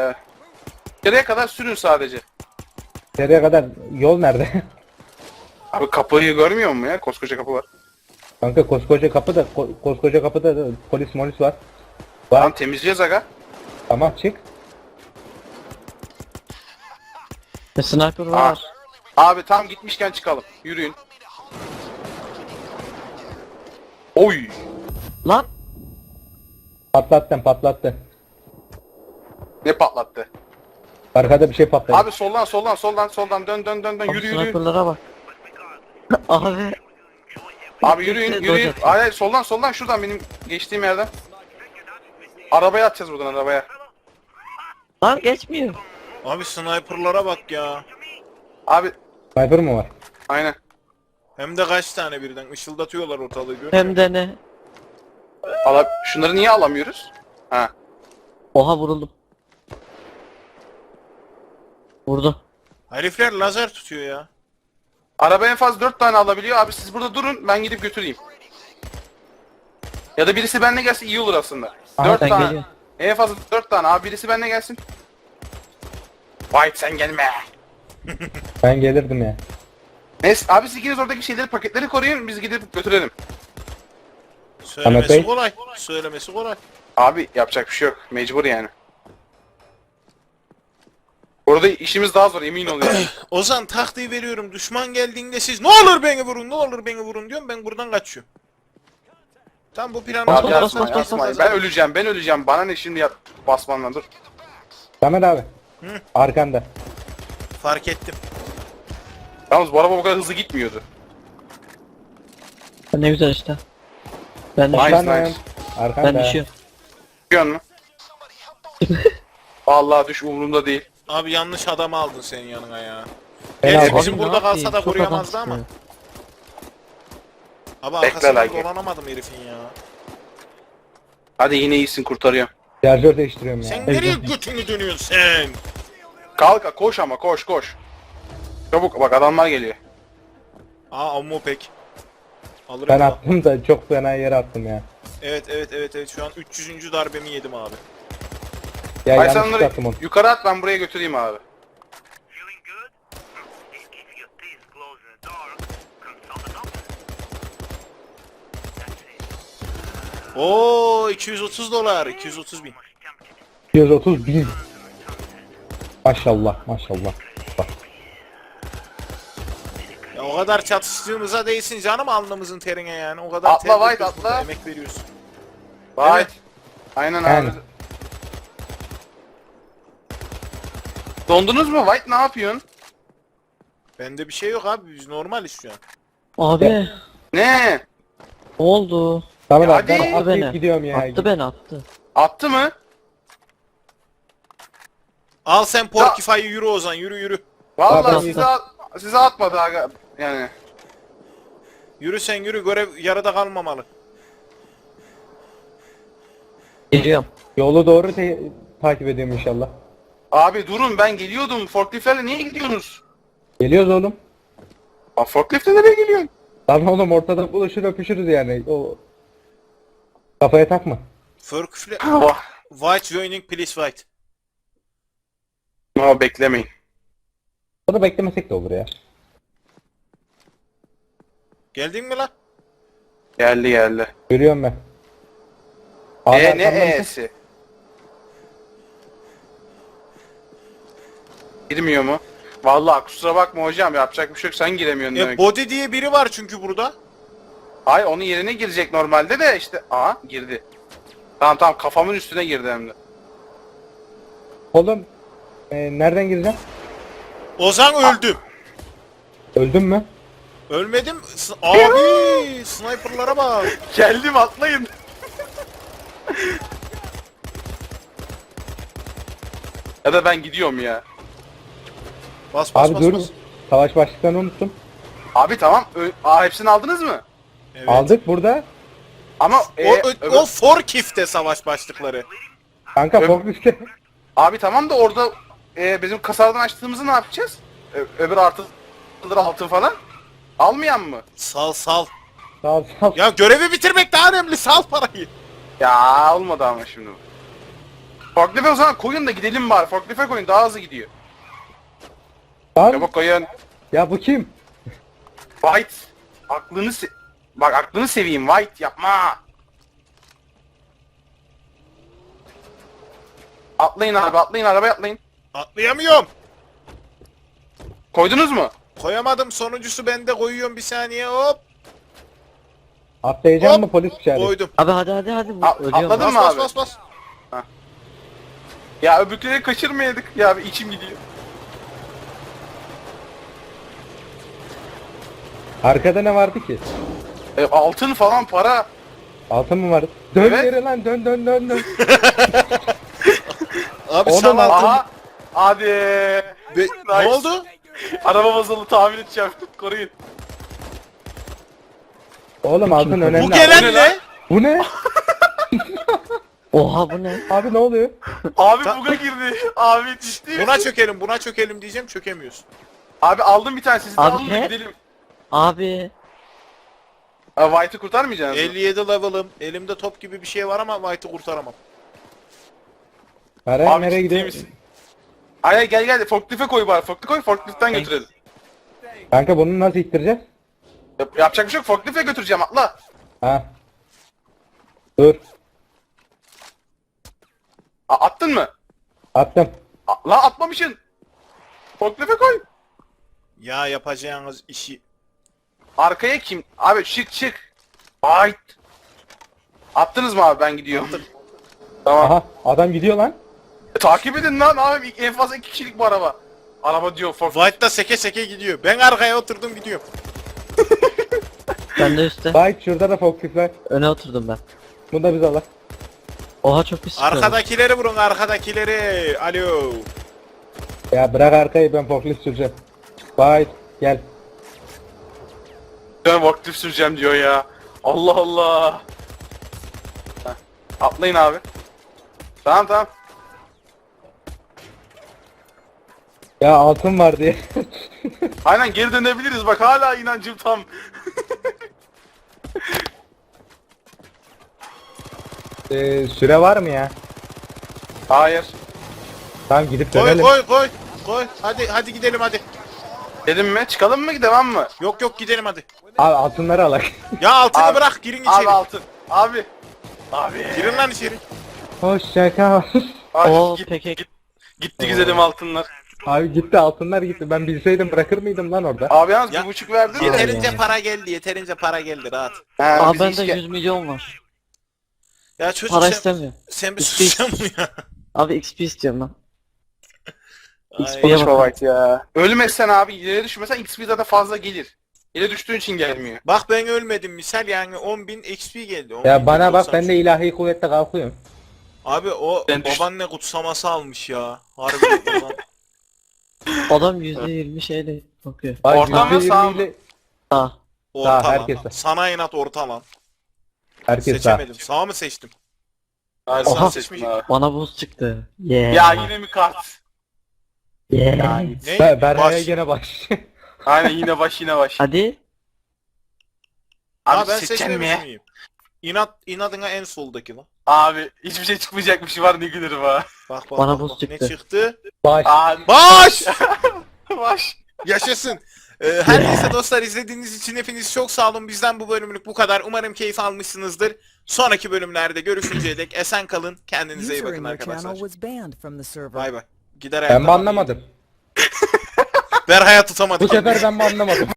[SPEAKER 2] içeriye kadar sürün sadece.
[SPEAKER 3] Nereye kadar? Yol nerede?
[SPEAKER 2] Abi kapıyı görmüyor musun ya? Koskoca kapı var.
[SPEAKER 3] Kanka koskoca kapıda koskoca kapıda da polis molis var.
[SPEAKER 2] Tamam temizleyeceğiz aga.
[SPEAKER 3] Tamam çık.
[SPEAKER 4] Sniper
[SPEAKER 2] Aa.
[SPEAKER 4] var.
[SPEAKER 2] Abi tam gitmişken çıkalım. Yürüyün. Oy.
[SPEAKER 4] Lan.
[SPEAKER 3] Patlattı.
[SPEAKER 2] Ne patlattı?
[SPEAKER 3] Arkada bir şey patladı.
[SPEAKER 2] Abi soldan dön
[SPEAKER 4] Abi
[SPEAKER 2] yürü.
[SPEAKER 4] sniperlara bak. Abi.
[SPEAKER 2] Abi yürüyün. Hayır soldan şuradan benim geçtiğim yerden. Arabaya atacağız buradan arabaya.
[SPEAKER 4] Lan geçmiyor.
[SPEAKER 1] Abi sniperlara bak ya.
[SPEAKER 2] Abi
[SPEAKER 3] Sniper mı var?
[SPEAKER 2] aynen.
[SPEAKER 1] Hem de kaç tane birden ışıldatıyorlar ortalığı görüyor
[SPEAKER 4] Hem
[SPEAKER 1] musun?
[SPEAKER 4] de ne?
[SPEAKER 2] Şunları niye alamıyoruz? Ha.
[SPEAKER 4] Oha vuruldum. Vurdu.
[SPEAKER 1] Herifler lazer tutuyor ya.
[SPEAKER 2] Araba en fazla 4 tane alabiliyor. Abi siz burada durun ben gidip götüreyim. Ya da birisi benimle gelse iyi olur aslında.
[SPEAKER 3] Aha,
[SPEAKER 2] 4
[SPEAKER 4] ben
[SPEAKER 2] tane.
[SPEAKER 4] geliyorum.
[SPEAKER 2] En fazla 4 tane. Abi birisi benimle gelsin. White sen gelme.
[SPEAKER 3] Ben gelirdim ya.
[SPEAKER 2] Neyse abi siz ikiniz oradaki şeyleri paketleri koruyun biz gidip götürelim.
[SPEAKER 1] Söylemesi
[SPEAKER 3] Bey.
[SPEAKER 1] kolay. Söylemesi kolay.
[SPEAKER 2] Abi yapacak bir şey yok. Mecbur yani. Orada işimiz daha zor emin ol yani.
[SPEAKER 1] Ozan taktiği veriyorum. Düşman geldiğinde siz ne olur beni vurun diyorum. Ben buradan kaçıyorum. Tam bu planı
[SPEAKER 4] Bas,
[SPEAKER 2] Abi
[SPEAKER 4] bas,
[SPEAKER 2] yapma,
[SPEAKER 4] bas, bas,
[SPEAKER 2] yapma.
[SPEAKER 4] bas.
[SPEAKER 2] Ben öleceğim. Bana ne şimdi basmanla dur.
[SPEAKER 3] Samet abi.
[SPEAKER 1] Hı.
[SPEAKER 3] Arkanda.
[SPEAKER 1] fark ettim.
[SPEAKER 2] Yalnız bu araba bu kadar hızlı gitmiyordu.
[SPEAKER 4] Ne güzel işte. Ben
[SPEAKER 2] Nice,
[SPEAKER 4] düşüyorum.
[SPEAKER 3] Arkanda.
[SPEAKER 2] nice.
[SPEAKER 3] Arkanda.
[SPEAKER 4] Ben düşüyorum.
[SPEAKER 2] Biliyor musun? Vallahi düş umurumda değil.
[SPEAKER 1] Abi yanlış adamı aldın senin yanına ya.
[SPEAKER 3] Ben
[SPEAKER 1] Gerçi
[SPEAKER 3] aldım.
[SPEAKER 1] bizim
[SPEAKER 4] Abi,
[SPEAKER 1] burada
[SPEAKER 4] ne
[SPEAKER 1] kalsa
[SPEAKER 4] yapayım?
[SPEAKER 1] da
[SPEAKER 4] Çok
[SPEAKER 1] koruyamazdı
[SPEAKER 4] adam
[SPEAKER 1] ama.
[SPEAKER 4] çıkıyor.
[SPEAKER 1] Abi
[SPEAKER 2] Bekle
[SPEAKER 1] arkasından
[SPEAKER 2] like.
[SPEAKER 1] dolanamadım herifin ya.
[SPEAKER 2] Hadi yine iyisin kurtarıyorum.
[SPEAKER 3] Şarjör değiştiriyorum ya.
[SPEAKER 1] Sen nereye götünü dönüyorsun sen?
[SPEAKER 2] Kalk koş ama koş. Çabuk bak adamlar geliyor.
[SPEAKER 1] Aa ammo pek. Alırım
[SPEAKER 3] Ben
[SPEAKER 1] ya.
[SPEAKER 3] attım da çok fena yere attım ya.
[SPEAKER 1] Evet şu an 300. darbemi yedim abi.
[SPEAKER 3] Ya
[SPEAKER 2] Hayır sen
[SPEAKER 3] yanlış
[SPEAKER 2] onları
[SPEAKER 3] attım onu.
[SPEAKER 2] yukarı at ben buraya götüreyim abi.
[SPEAKER 5] Feeling good? If your teeth close in the dark, consult a doctor. That's it.
[SPEAKER 1] Oo 230 dolar 230 bin.
[SPEAKER 3] 230 bin. Maşallah. Bak.
[SPEAKER 1] Ya o kadar çatıştığımıza değsin canım alnımızın terine yani. O kadar
[SPEAKER 2] Atla
[SPEAKER 1] ter
[SPEAKER 2] White,
[SPEAKER 1] döküyoruz burada,
[SPEAKER 2] atla.
[SPEAKER 1] emek veriyorsun.
[SPEAKER 2] Vay.
[SPEAKER 1] Evet.
[SPEAKER 2] Aynen
[SPEAKER 3] Yani.
[SPEAKER 2] abi. Dondunuz mu White ne yapıyorsun?
[SPEAKER 1] Bende bir şey yok abi biz normaliz şu an.
[SPEAKER 4] Abi. Ne
[SPEAKER 2] Ne?
[SPEAKER 4] oldu?
[SPEAKER 3] Samet
[SPEAKER 2] Ya
[SPEAKER 3] abi ben
[SPEAKER 2] hadi.
[SPEAKER 4] Attı
[SPEAKER 3] atlayıp
[SPEAKER 4] beni.
[SPEAKER 3] gidiyorum ya.
[SPEAKER 4] Attı beni attı.
[SPEAKER 2] Attı mı?
[SPEAKER 1] Al sen Porkify'ı yürü Ozan yürü.
[SPEAKER 2] Vallahi
[SPEAKER 3] Abi,
[SPEAKER 2] size atmadı aga. Yani.
[SPEAKER 1] Yürü sen yürü görev yarıda kalmamalı.
[SPEAKER 4] Geliyorum.
[SPEAKER 3] Yolu doğru takip ediyorum inşallah.
[SPEAKER 2] Abi durun ben geliyordum. Forklift'lerle niye gidiyorsunuz?
[SPEAKER 3] Geliyoruz oğlum.
[SPEAKER 2] Lan forklift'le nereye geliyorsun?
[SPEAKER 3] Lan oğlum ortada buluşur öpüşürüz yani. O kafaya takma.
[SPEAKER 1] Porkify...
[SPEAKER 2] Vah.
[SPEAKER 1] White joining please White.
[SPEAKER 2] Ama beklemeyin.
[SPEAKER 3] Onu beklemesek de olur ya.
[SPEAKER 1] Geldin mi lan?
[SPEAKER 2] Geldi.
[SPEAKER 3] Görüyorum ben. Abi
[SPEAKER 2] Ne
[SPEAKER 3] arkamdan mısın?
[SPEAKER 2] e'si? Girmiyor mu? Vallahi kusura bakma hocam yapacak bir şey yok sen giremiyorsun demek.
[SPEAKER 1] Body diye biri var çünkü burada.
[SPEAKER 2] Hayır onun yerine girecek normalde de işte. Aha girdi. Tamam kafamın üstüne girdi hem de.
[SPEAKER 3] Oğlum nereden gireceğim?
[SPEAKER 1] Ozan öldü.
[SPEAKER 3] Öldün mü?
[SPEAKER 1] Ölmedim. Abi sniperlara bak.
[SPEAKER 2] Geldim atlayın. Ya da ben gidiyorum ya.
[SPEAKER 1] Bas
[SPEAKER 3] Abi dur. Savaş başlıklarını unuttum.
[SPEAKER 2] Abi tamam. Hepsini aldınız mı?
[SPEAKER 1] Evet.
[SPEAKER 3] Aldık burada.
[SPEAKER 2] Ama
[SPEAKER 1] O Forkif'te savaş başlıkları.
[SPEAKER 3] Kanka
[SPEAKER 2] Ö-
[SPEAKER 3] forklifte.
[SPEAKER 2] abi tamam da orada bizim kasardan açtığımızı ne yapacağız? Öbür artıları altın falan. Almayan mı?
[SPEAKER 1] Sal.
[SPEAKER 3] Sağ ol.
[SPEAKER 1] Ya görevi bitirmek daha önemli. Sal parayı.
[SPEAKER 2] Ya olmadı ama şimdi. Forklift'e o zaman koyun da gidelim bari. Forklift'e koyun daha hızlı gidiyor.
[SPEAKER 3] Lan
[SPEAKER 2] Çabuk koyun.
[SPEAKER 3] ya bu kim?
[SPEAKER 2] White. Bak aklını seveyim White yapma. Atlayın abi atlayın arabaya atlayın.
[SPEAKER 1] Atlayamıyorum.
[SPEAKER 2] Koydunuz mu?
[SPEAKER 1] Koyamadım. Sonuncusu bende, koyuyorum bir saniye hop.
[SPEAKER 3] Atlayacağım
[SPEAKER 1] Hop.
[SPEAKER 3] mı polis içeri?
[SPEAKER 1] Koydum.
[SPEAKER 4] Abi hadi. Ölüyorum.
[SPEAKER 2] Atladın
[SPEAKER 1] Bas
[SPEAKER 2] mı
[SPEAKER 1] bas
[SPEAKER 2] abi?
[SPEAKER 1] bas bas.
[SPEAKER 2] Ya öbürkleri kaçırmayaydık ya bir içim gidiyor.
[SPEAKER 3] Arkada ne vardı ki?
[SPEAKER 2] Altın falan para.
[SPEAKER 3] Altın mı vardı? Dön
[SPEAKER 2] Evet.
[SPEAKER 3] geri lan dön.
[SPEAKER 1] Abi
[SPEAKER 3] Oğlum,
[SPEAKER 1] sen altın.
[SPEAKER 2] Aha. Hadi.
[SPEAKER 1] Ne
[SPEAKER 2] Nice.
[SPEAKER 1] oldu?
[SPEAKER 2] Araba bozuldu tamir edeceğim. Koruyun.
[SPEAKER 3] Oğlum altın önemli.
[SPEAKER 1] Bu gelen
[SPEAKER 2] Bu ne
[SPEAKER 1] ne?
[SPEAKER 3] Bu ne?
[SPEAKER 4] Oha bu ne?
[SPEAKER 3] Abi ne oluyor?
[SPEAKER 2] Abi
[SPEAKER 1] Ta-
[SPEAKER 2] buga girdi. Abi ciddi
[SPEAKER 1] Buna çökelim diyeceğim, çökemiyoruz.
[SPEAKER 2] Abi aldım bir tane siz de
[SPEAKER 4] Abi
[SPEAKER 2] alın da
[SPEAKER 4] ne?
[SPEAKER 2] gidelim.
[SPEAKER 4] Abi.
[SPEAKER 2] White'ı kurtarmayacaksınız mı?
[SPEAKER 1] 57 level'ım. Elimde top gibi bir şey var ama White'ı kurtaramam.
[SPEAKER 3] Para
[SPEAKER 2] Abi
[SPEAKER 3] nereye
[SPEAKER 2] ciddi
[SPEAKER 3] gidiyor?
[SPEAKER 2] misin? Ay gel forklifte koy bari. Forklift koy forkliftten götürelim.
[SPEAKER 3] Kanka bunu nasıl ittireceğiz?
[SPEAKER 2] Yapacak bir şey yok forklifte götüreceğim atla.
[SPEAKER 3] Ha. Dur.
[SPEAKER 2] Attın mı?
[SPEAKER 3] Attım.
[SPEAKER 2] La atmamışsın. Forklifte koy.
[SPEAKER 1] Ya yapacağınız işi.
[SPEAKER 2] Arkaya kim? Abi çık. White. Attınız mı abi ben gidiyorum. Tamam.
[SPEAKER 3] Aha adam gidiyor lan.
[SPEAKER 2] Takip edin lan abi en fazla 2 kişilik bu araba. Araba diyor forklift.
[SPEAKER 1] White da seke seke gidiyor. Ben arkaya oturdum gidiyorum.
[SPEAKER 4] Ben de üstte.
[SPEAKER 3] Bayt şurada da forklift var.
[SPEAKER 4] Öne oturdum ben.
[SPEAKER 3] Bunu da biz alak.
[SPEAKER 4] Oha çok pis sıkıyorum.
[SPEAKER 1] Arkadakileri vurun, arkadakileri. Alo.
[SPEAKER 3] Ya bırak arkayı ben forklift süreceğim. Bayt gel.
[SPEAKER 2] Ben forklift süreceğim diyor ya. Allah Allah. Heh. Atlayın abi. Tamam.
[SPEAKER 3] Ya altın var diye.
[SPEAKER 2] Aynen geri dönebiliriz bak hala inancım tam.
[SPEAKER 3] Süre var mı ya?
[SPEAKER 2] Hayır.
[SPEAKER 3] Tamam gidip
[SPEAKER 1] Koy
[SPEAKER 3] dönelim.
[SPEAKER 1] koy. Hadi gidelim hadi.
[SPEAKER 2] Dedim mi? Çıkalım mı devam mı?
[SPEAKER 1] Yok gidelim hadi.
[SPEAKER 3] Abi altınları alak.
[SPEAKER 1] Ya altını
[SPEAKER 2] Abi-
[SPEAKER 1] bırak, girin içeri.
[SPEAKER 2] Abi altın. Abi.
[SPEAKER 1] Girin lan içeri.
[SPEAKER 3] Hoşça kal.
[SPEAKER 2] Ay,
[SPEAKER 4] Oo
[SPEAKER 2] git-
[SPEAKER 4] peki.
[SPEAKER 2] Gitti güzelim altınlar.
[SPEAKER 3] Abi gitti altınlar gitti. Ben bilseydim bırakır mıydım lan orada?
[SPEAKER 2] Abi yalnız
[SPEAKER 1] Ya-
[SPEAKER 2] 1,5 verdin mi?
[SPEAKER 1] Yeterince para geldi, rahat.
[SPEAKER 2] Ha,
[SPEAKER 4] Abi
[SPEAKER 2] biz
[SPEAKER 4] bende
[SPEAKER 2] işe-
[SPEAKER 4] 100 milyon var.
[SPEAKER 1] Ya çocuk
[SPEAKER 4] Para
[SPEAKER 1] sen,
[SPEAKER 4] istemiyor.
[SPEAKER 1] sen bir
[SPEAKER 4] İşte-
[SPEAKER 1] susacak mı ya?
[SPEAKER 4] Abi XP istiyorum ben.
[SPEAKER 1] Ay,
[SPEAKER 2] Konuşma White ya. Ölmezsen abi yere düşmesen XP zaten fazla gelir. Yere düştüğün için gelmiyor.
[SPEAKER 1] Bak ben ölmedim misal, yani 10.000 XP geldi. 10.000
[SPEAKER 3] Ya bana bak
[SPEAKER 1] 90.
[SPEAKER 3] ben de ilahi kuvvetle kalkıyorum.
[SPEAKER 1] Abi o
[SPEAKER 2] Ben düş-
[SPEAKER 1] babaanne kutsaması almış ya. Harbi o
[SPEAKER 4] Adam %20 şeyle bakıyor.
[SPEAKER 3] Bak
[SPEAKER 2] Orta mı, sağ mı?
[SPEAKER 3] %20 ile
[SPEAKER 4] Sağ.
[SPEAKER 1] orta
[SPEAKER 3] Sağ,
[SPEAKER 1] lan.
[SPEAKER 3] herkese.
[SPEAKER 1] Sana inat orta lan.
[SPEAKER 3] herkes sağ.
[SPEAKER 1] Seçemedim. Sağ mı seçtim?
[SPEAKER 2] Hayır,
[SPEAKER 1] Oha.
[SPEAKER 2] sen seçmeyecek.
[SPEAKER 4] Bana buz çıktı. Yeah.
[SPEAKER 2] Ya yine mi kart?
[SPEAKER 4] Yeah.
[SPEAKER 1] Ne?
[SPEAKER 3] Berha'ya
[SPEAKER 1] Baş.
[SPEAKER 3] gene baş.
[SPEAKER 2] Aynen yine baş.
[SPEAKER 4] Hadi.
[SPEAKER 1] Ha
[SPEAKER 2] Abi
[SPEAKER 1] ben
[SPEAKER 2] seçen
[SPEAKER 1] seçmemiş
[SPEAKER 2] mi?
[SPEAKER 1] miyim? İnadına en soldaki lan.
[SPEAKER 2] Abi hiçbir şey çıkmayacakmış var ne gülürüm ha.
[SPEAKER 1] Bak
[SPEAKER 4] Bana
[SPEAKER 1] bak,
[SPEAKER 4] buz
[SPEAKER 1] bak.
[SPEAKER 4] çıktı.
[SPEAKER 1] Ne çıktı?
[SPEAKER 3] Baş.
[SPEAKER 2] Abi
[SPEAKER 1] Baş!
[SPEAKER 2] baş.
[SPEAKER 1] Yaşasın. Her neyse dostlar, izlediğiniz için hepiniz çok sağ olun. Bizden bu bölümlük bu kadar. Umarım keyif almışsınızdır. Sonraki bölümlerde görüşünceye dek esen kalın. Kendinize iyi
[SPEAKER 6] User
[SPEAKER 1] bakın
[SPEAKER 6] in your channel
[SPEAKER 1] arkadaşlar.
[SPEAKER 6] was banned from the server.
[SPEAKER 1] Bay bay. Gider
[SPEAKER 3] Ben mi
[SPEAKER 1] ayaklarım.
[SPEAKER 3] anlamadım?
[SPEAKER 1] Berha'ya tutamadık.
[SPEAKER 3] Bu sefer ben mi anlamadım?